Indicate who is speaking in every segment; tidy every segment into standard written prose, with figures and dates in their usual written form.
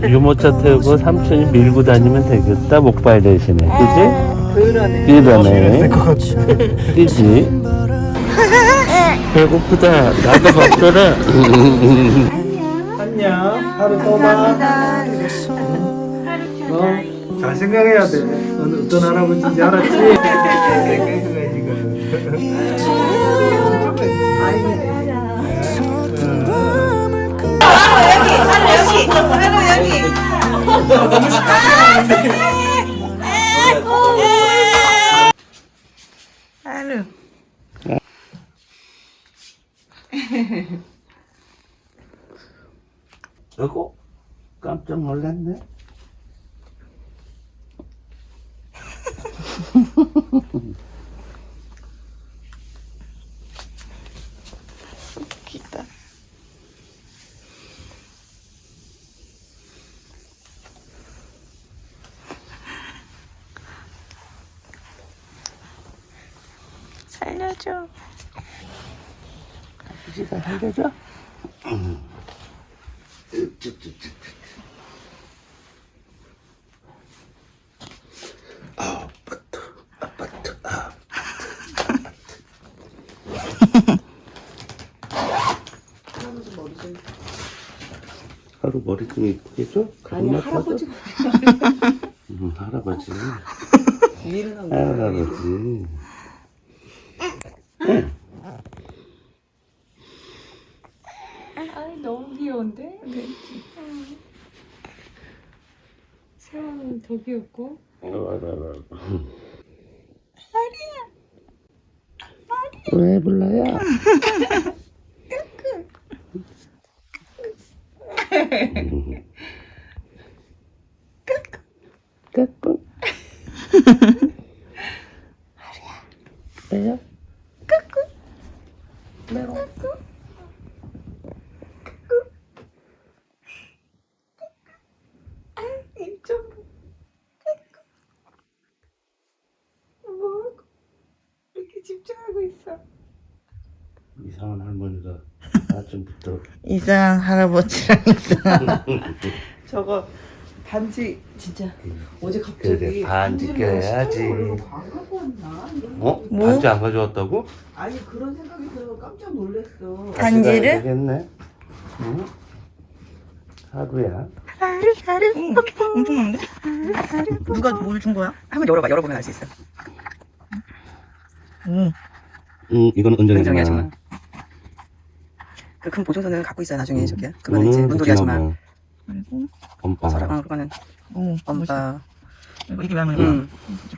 Speaker 1: 유모차 태우고 삼촌이 밀고 다니면 되겠다. 목발 대신에. 그지?
Speaker 2: 그러네.
Speaker 1: 그러네. 그지? 배고프다. 나도 먹더라.
Speaker 2: 안녕. 하루 또 봐. 잘 생각해야 돼. 너는 어떤 할아버지인지 알았지?
Speaker 3: 하루.
Speaker 1: 아이고, 깜짝 놀랐네.
Speaker 3: 웃기다. 살려줘.
Speaker 1: 아버지가 살려줘? 아파트. 하루 머리 좀 이쁘게 줘?
Speaker 4: 아니 할아버지
Speaker 1: 할아버지.
Speaker 4: 일을 하고
Speaker 1: 할아버지.
Speaker 4: 아이 너무 귀여운데? 세원은 더 귀엽고
Speaker 1: 왜 불러요? 까꿍. 왜요?
Speaker 4: 뭐 이렇게 집중하고 있어.
Speaker 1: 이상한 할머니가 아침부터
Speaker 3: 이상한 할아버지랑 이상한. 저거 반지 진짜 어제
Speaker 1: 그래
Speaker 3: 갑자기
Speaker 1: 반지 껴야지.
Speaker 4: 안 갖고 왔나? 이런
Speaker 1: 어?
Speaker 3: 뭐?
Speaker 1: 반지 안 가져왔다고?
Speaker 4: 아니 그런 생각이 들어 깜짝 놀랐어.
Speaker 3: 반지를?
Speaker 1: 가져가야 되겠네. 응? 하루야.
Speaker 3: 하루. 엄청 많은데? 누가 뭘 준 거야? 한번 열어봐. 열어보면 알 수 있어. 오.
Speaker 1: 이건 은정이
Speaker 3: 은정이
Speaker 1: 아줌마.
Speaker 3: 아줌마. 그 큰 보증서는 갖고 있어요. 나중에 저기야. 그거는 이제 문돌이 아줌마. 그리고
Speaker 1: 엄빠.
Speaker 3: 그거는 엄빠. 이게 왜 하는
Speaker 1: 응.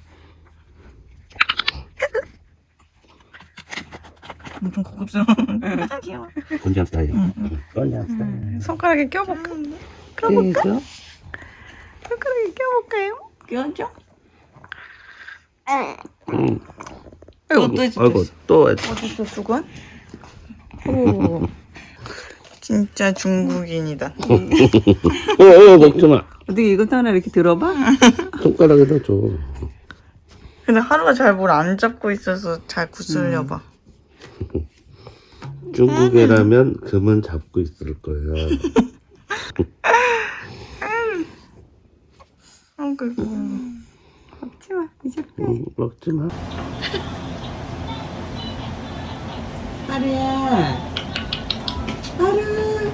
Speaker 3: 엄청 고급스러워. 귀여워.
Speaker 1: 건장 스타일. 건장 스타일.
Speaker 3: 손가락에 껴볼까?
Speaker 1: 그죠?
Speaker 3: 손가락에 껴볼까요? 껴줘?
Speaker 1: 응.
Speaker 3: 아이고 또 있어.
Speaker 1: 아이고 또
Speaker 3: 어딨어 수건? 오. 진짜 중국인이다.
Speaker 1: 먹지 마.
Speaker 4: 어떻게 이것도 하나 이렇게 들어봐?
Speaker 1: 손가락에다 줘.
Speaker 3: 근데 하루가 잘 뭘 안 잡고 있어서 잘 구슬려봐.
Speaker 1: 중국애라면 금은 잡고 있을 거야.
Speaker 3: 아이고.
Speaker 4: 먹지 마 이제
Speaker 1: 먹지 마.
Speaker 4: 하루야 하루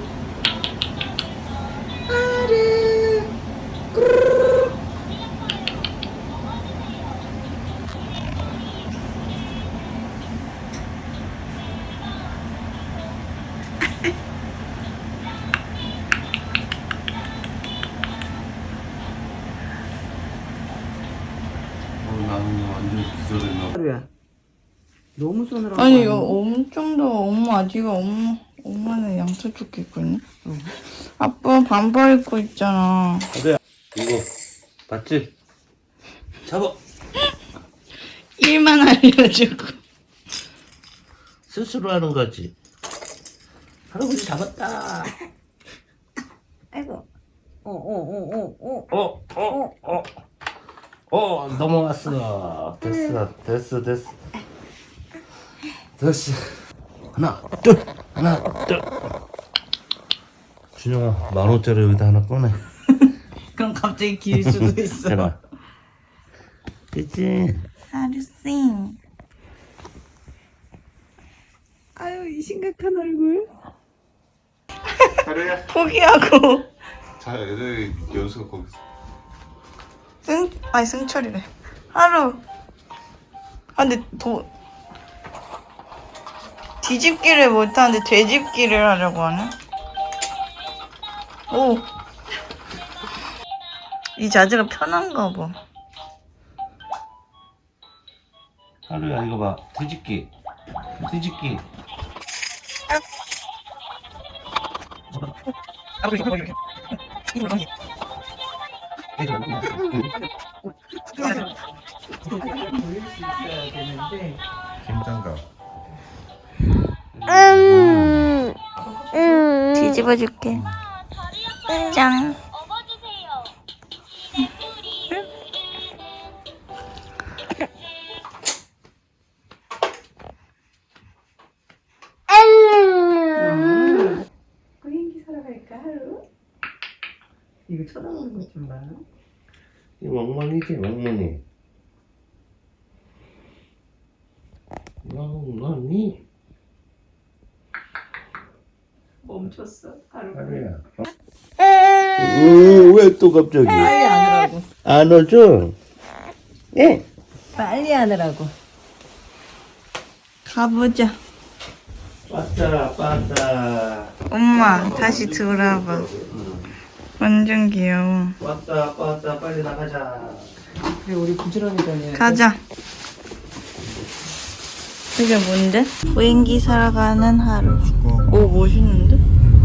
Speaker 1: 나는 완전 기절했나.
Speaker 4: 하루야 너무 손으로
Speaker 3: 아니 이거 엄청 더워. 엄마 아직 엄마는 양털 조끼 입고 있네. 아빠 반팔 입고 있잖아.
Speaker 1: 하루야 이거 봤지? 잡아.
Speaker 3: 일만 알려주고.
Speaker 1: 스스로 하는 거지. 할아버지 잡았다.
Speaker 4: 아이고
Speaker 1: 넘어왔어. 됐어. 하나 둘. 준영아 10,000원짜리 여기다 하나 꺼내.
Speaker 3: 그럼 갑자기 길 수도 있어.
Speaker 1: 해봐. 그치?
Speaker 3: 하루씨.
Speaker 4: 아유, 이 심각한 얼굴.
Speaker 2: 하루야.
Speaker 3: 포기하고.
Speaker 5: 자, 애들 연수가 거기서.
Speaker 3: 아니 승철이래. 하루. 아 근데 뒤집기를 못하는데 되집기를 하려고 하네. 오. 이 자세가 편한가 봐.
Speaker 1: 하루야 이거 봐. 뒤집기. 뒤집기.
Speaker 5: 김장갑.
Speaker 3: 뒤집어 줄게. 짠.
Speaker 4: 비행기 사러 갈까, 하루? 이거 쳐다보는 것 좀 봐.
Speaker 1: 이 멍멍이지 멍멍이. 멍멍이.
Speaker 4: 멈췄어, 하루.
Speaker 1: 하루야. 왜 또 갑자기?
Speaker 4: 빨리 하느라고.
Speaker 1: 안 오죠? 예.
Speaker 4: 빨리 하느라고.
Speaker 3: 가보자.
Speaker 1: 왔다.
Speaker 3: 엄마 다시 돌아봐. 완전 귀여워.
Speaker 1: 왔다. 빨리 나가자.
Speaker 4: 그래, 우리 부지런히 다녀야 돼.
Speaker 3: 가자. 이게 뭔데? 비행기 사러 가는 하루. 오 멋있는데?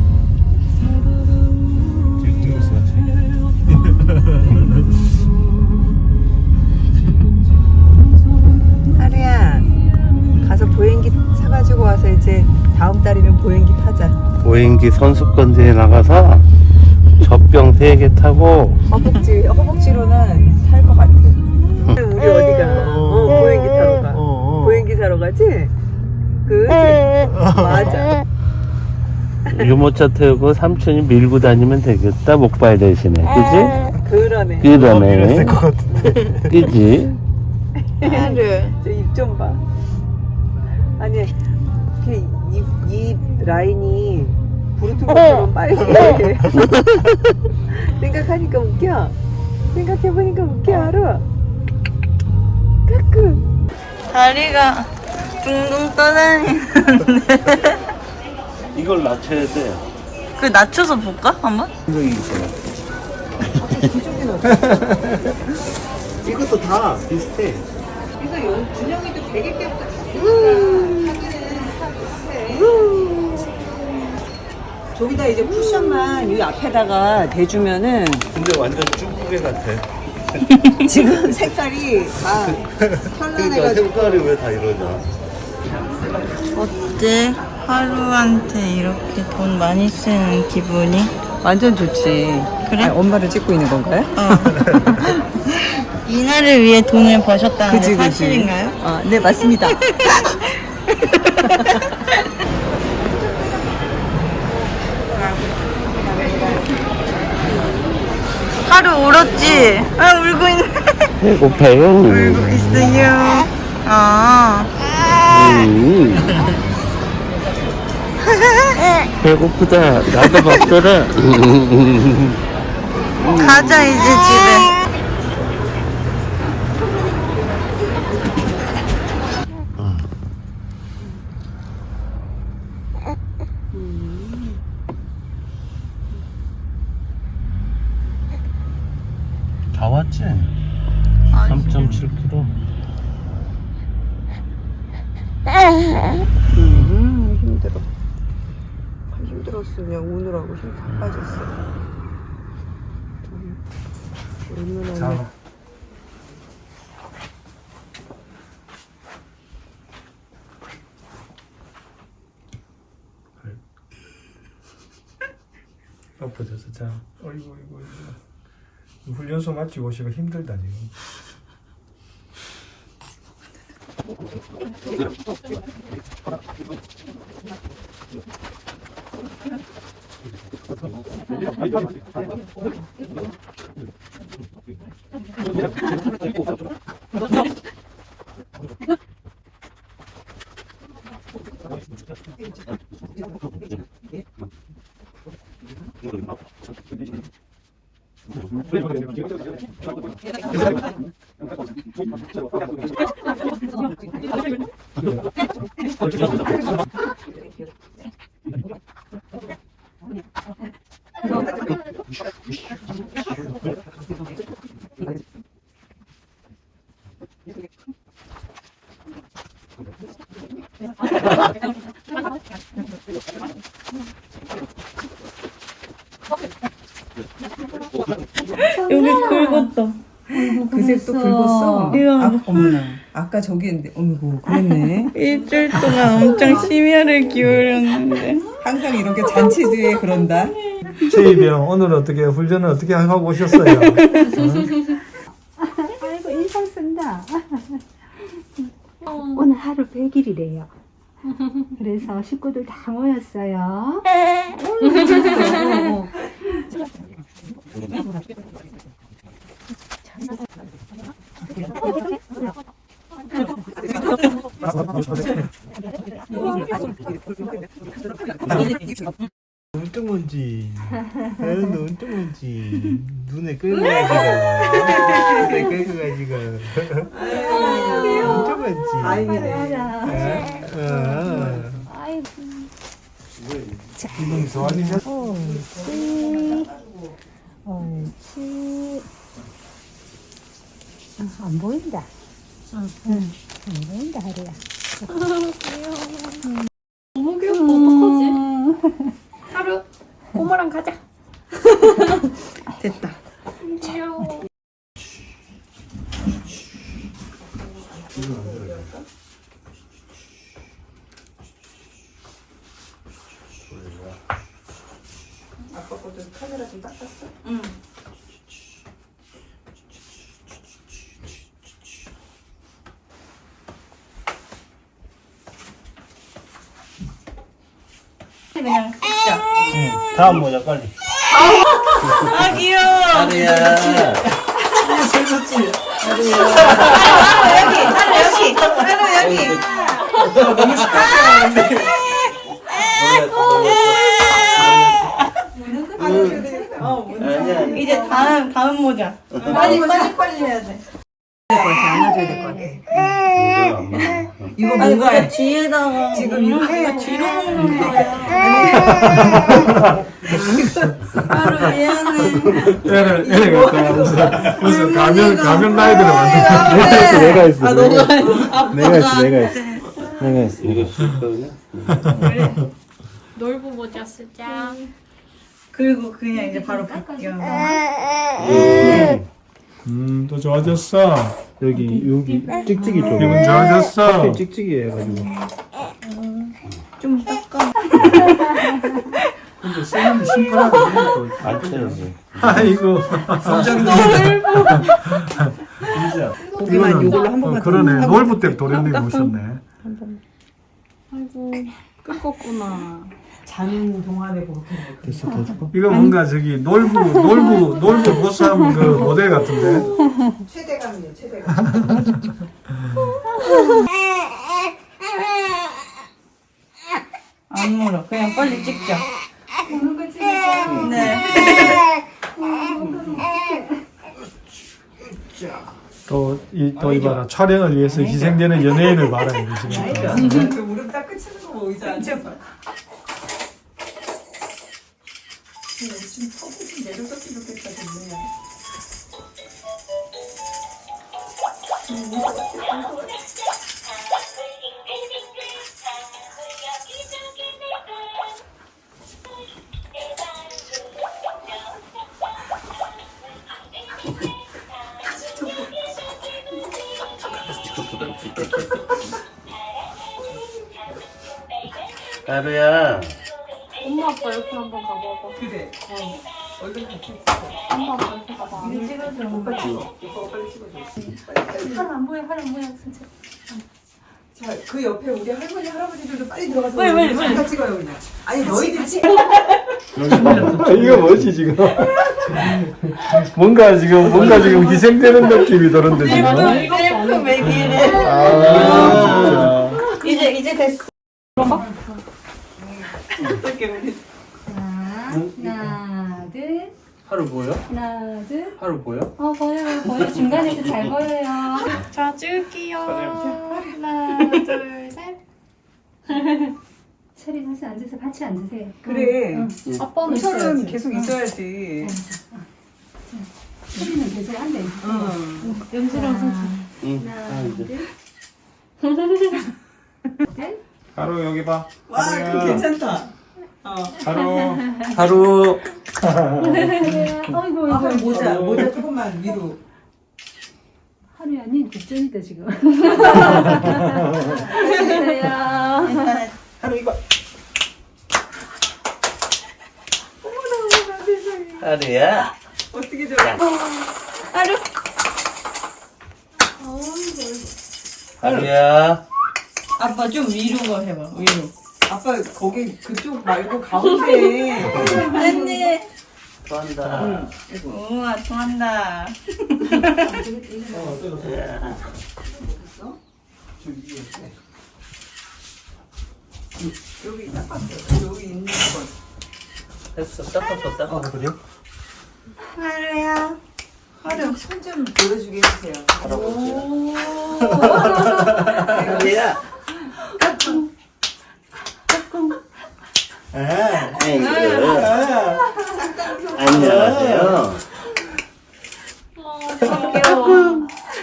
Speaker 4: 하루야, 가서 보행기 사가지고 와서 이제 다음 달이면 보행기 타자.
Speaker 1: 보행기 선수권대회 나가서 젖병 3개 타고
Speaker 4: 허벅지로는 탈 것 같아. 우리 어디가? 보행기 타러 가. 보행기 사러 가지? 그치? 맞아.
Speaker 1: 유모차 태우고 삼촌이 밀고 다니면 되겠다. 목발 대신에. 그지?
Speaker 4: 그러네.
Speaker 1: 그러네. 그지?
Speaker 3: 하루.
Speaker 4: 저 입 좀 봐. 아니, 이 라인이 브루투스처럼 빨개. 생각하니까 웃겨. 생각해보니까 웃겨, 하루. 까끄.
Speaker 3: 다리가 둥둥 떠다니는데.
Speaker 1: 이걸 낮춰야 돼.
Speaker 3: 그 낮춰서 볼까? 한번?
Speaker 1: 이것도 다 비슷해.
Speaker 4: 그래서 준영이도 100일 때부터 저기다 이제 쿠션만 이 앞에다가 대주면은
Speaker 1: 근데 완전 쭈꾸게 같아.
Speaker 4: 지금 색깔이 다
Speaker 1: 그러니까
Speaker 4: 현란해가지고
Speaker 1: 색깔이 왜 다 이러냐?
Speaker 3: 어때? 하루한테 이렇게 돈 많이 쓰는 기분이?
Speaker 4: 완전 좋지.
Speaker 3: 그래?
Speaker 4: 아니, 엄마를 찍고 있는 건가요?
Speaker 3: 이날을 위해 돈을 버셨다는 게 사실인가요?
Speaker 4: 네, 맞습니다.
Speaker 3: 하루 울었지? 아 울고 있네.
Speaker 1: 배고파요.
Speaker 3: 울고 있어요. 아.
Speaker 1: 배고프다. 나도 먹더라.
Speaker 3: 가자 이제 집에.
Speaker 1: 다 왔지? 3.7km.
Speaker 4: 힘들어. 힘들었어. 그냥 오느라고 힘 다 빠졌어. 얼마나.
Speaker 2: 엎어져서 자. 어이구. 훈련소 마치고 오시고 힘들다 지금.
Speaker 3: 여기 긁었다.
Speaker 4: 그 색도 긁었어.
Speaker 3: 이거
Speaker 4: 아, 어머나. 아까 저기 있는데, 어미고, 그랬네.
Speaker 3: 일주일 동안 엄청 심혈을 기울였는데.
Speaker 4: 항상 이렇게 잔치 뒤에 그런다.
Speaker 2: 최이병 오늘 어떻게 훈련을 어떻게 하고 오셨어요?
Speaker 6: 아이고 인상 쓴다. 오늘 하루 100일이래요. 그래서 식구들 다 모였어요.
Speaker 2: 눈뜨문지, 눈뜨문지, 눈에 끌려가지고, 눈에 끌려가지고, 눈뜨문지. 기분이 좋아지셨어?
Speaker 6: 옳지. 안 보인다. 안 보인다 하루야.
Speaker 7: 너무 귀엽고 어떡하지? 하루 고모랑 가자.
Speaker 3: 됐다.
Speaker 7: 귀여워.
Speaker 4: 아빠 것도 카메라 좀 닦았어?
Speaker 3: 응. 그냥 찍자.
Speaker 2: 다음 모자 빨리.
Speaker 3: 아 귀여워.
Speaker 1: 하루야.
Speaker 3: 하루 여기.
Speaker 2: 너무 시끄러운데.
Speaker 1: 아니야.
Speaker 3: 이제 다음 모자. 빨리 해야 돼.
Speaker 4: 안아줘야 될 것 같아. 이거
Speaker 3: 아니
Speaker 4: 뭔가
Speaker 3: 근데 뒤에다가
Speaker 4: 지금 이렇게
Speaker 3: 뒤로 먹는 거야. 하루 미안해.
Speaker 2: 애를 갖다 하면서 무슨 가면 라이드를 만들어.
Speaker 1: 내가 했어.
Speaker 3: 아 너가
Speaker 1: 내가 했어. 이거 쉽거든요.
Speaker 7: 놀부 모자 쓰자.
Speaker 3: 그리고 그냥 이제 바로 벗겨.
Speaker 2: 또 좋아졌어.
Speaker 1: 여기 찍찍이 좀.
Speaker 2: 기분 좋아졌어.
Speaker 1: 찍찍이 해가지고.
Speaker 3: 좀 닦아.
Speaker 2: 근데 쌤이 심플하게 그러니까.
Speaker 1: 안 채워지.
Speaker 2: 아이고.
Speaker 4: 고기만 이걸로 한 번만
Speaker 2: 그러네. 놀부 때 도련님 오셨네.
Speaker 7: 아이고 끄껍구나.
Speaker 4: 자는 동안에 그렇게
Speaker 1: 됐어, 더 줄까?
Speaker 2: 이거 뭔가 저기 놀부 보쌈 그 모델 같은데.
Speaker 4: 최대감이에요, 최대감.
Speaker 3: 안 물어. 그냥 빨리 찍자. 네.
Speaker 2: 또 이봐라. 촬영을 위해서 희생되는 연예인을 말하는 거지.
Speaker 4: 그 무릎 딱 끝이는 거 보이지 않죠? 좀 서부 좀 내려줬으면 좋겠다, 정말.
Speaker 1: 하루야.
Speaker 7: 엄마 아빠 옆에 한번 가봐봐.
Speaker 4: 그래. 얼른 같이 찍어.
Speaker 7: 엄마 아빠 옆에 가봐.
Speaker 4: 이거 찍어줘. 오빠 찍어. 오빠가 빨리 찍어줘.
Speaker 7: 하루 안 보여 진짜.
Speaker 4: 자, 그 옆에 우리 할머니 할아버지들도 빨리 들어가서 빨리 찍어요 그냥. 아니 너희들 찍.
Speaker 2: 이거 뭐지 지금? 뭔가 지금 희생되는 느낌이 드는데 지금.
Speaker 3: 셀프 매기래.
Speaker 2: 아 진짜.
Speaker 3: 이제 됐어.
Speaker 6: 하나, 둘,
Speaker 1: 하루 보여?
Speaker 6: 하나, 둘.
Speaker 1: 하루 보여?
Speaker 6: 보여. 중간에서 잘 보여요.
Speaker 7: 자, 찍을게요. 하나, 둘, 셋.
Speaker 6: 철이 가서 앉아서 같이 앉으세요.
Speaker 4: 그래.
Speaker 7: 아빠는
Speaker 4: 철은
Speaker 7: 있어야지.
Speaker 4: 계속 있어야지.
Speaker 6: 철이는 계속 앉아 있어.
Speaker 7: 연수랑 선수.
Speaker 1: 응.
Speaker 6: 하나, 둘.
Speaker 5: 하루 여기 봐.
Speaker 4: 와, 그거 괜찮다.
Speaker 1: 하루.
Speaker 6: 아이고,
Speaker 4: 아, 모자 조금만 위로.
Speaker 6: 하루야, 니 국전이다 지금.
Speaker 4: 하루 이거.
Speaker 1: 하루야.
Speaker 4: 어떻게 좋아?
Speaker 1: 하루야.
Speaker 3: 아빠 좀 위로 해봐. 위로.
Speaker 4: 아빠 거기 그쪽 말고 가운데.
Speaker 3: 언니.
Speaker 1: 좋아한다.
Speaker 3: 우와 좋아한다.
Speaker 4: 여기 딱 봤어. 여기 있는 거.
Speaker 1: 됐어. 닦았어.
Speaker 2: 그래?
Speaker 3: 하루야.
Speaker 4: 하루 손좀 보여주게 해주세요.
Speaker 1: 하루야. 아이고. 안녕하세요.
Speaker 3: 귀여워.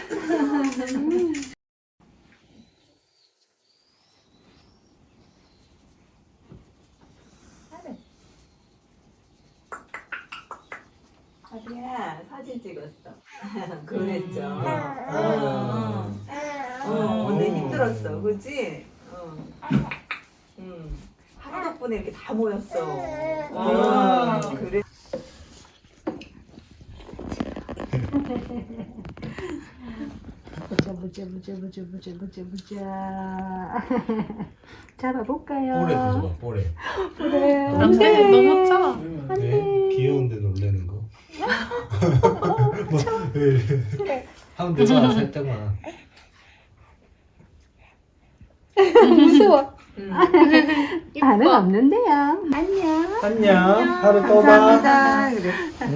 Speaker 4: 하루야 사진 찍었어. 그랬죠. 오늘 힘들었어, 그렇지? 하루 덕분에 이렇게 다 모였어. 그래.
Speaker 6: 보자. 잡아볼까요?
Speaker 5: 볼에 줘봐 볼에.
Speaker 7: 안돼, 너무 짜.
Speaker 5: 왜? 귀여운데 놀래는 거. 뭐, 왜? 하면 되잖아 살짝만.
Speaker 6: 무서워. 반응 없는데요. 안녕.
Speaker 2: 안녕. 하루 또 봐.
Speaker 4: 감사합니다. 그래.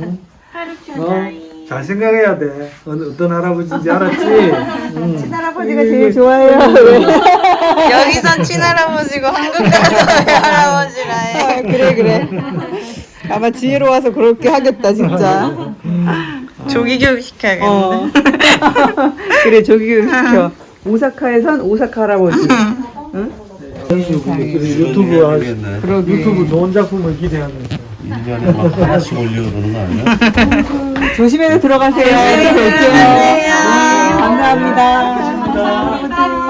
Speaker 2: 잘 생각해야 돼. 어떤 할아버지인지 알았지?
Speaker 4: 친할아버지가 제일 좋아해요.
Speaker 3: 여기선 친할아버지고 한국 가서 외할아버지라 해.
Speaker 4: 그래. 아마 지혜로 와서 그렇게 하겠다, 진짜.
Speaker 3: 조기 교육 시켜야겠는데.
Speaker 4: 그래, 조기교육 시켜. 오사카에선 오사카 할아버지.
Speaker 2: 유튜브 좋은 작품을 기대하면서.
Speaker 1: 1년에 막 하나씩 올리고 그러는 거 아니야?
Speaker 4: 조심해서 들어가세요. 또 뵐게요. 감사합니다.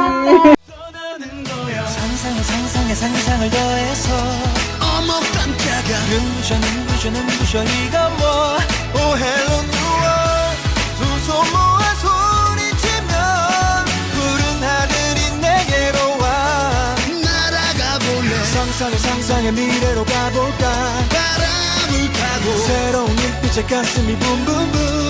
Speaker 8: 상상에 더해서 어머 깜짝아 눈부셔 이거 뭐 Oh hello new world 두 손 모아 소리치면 푸른 하늘이 내게로 와 날아가 볼래 상상의 미래로 가볼까 바람을 타고 새로운 눈빛에 가슴이 붐붐붐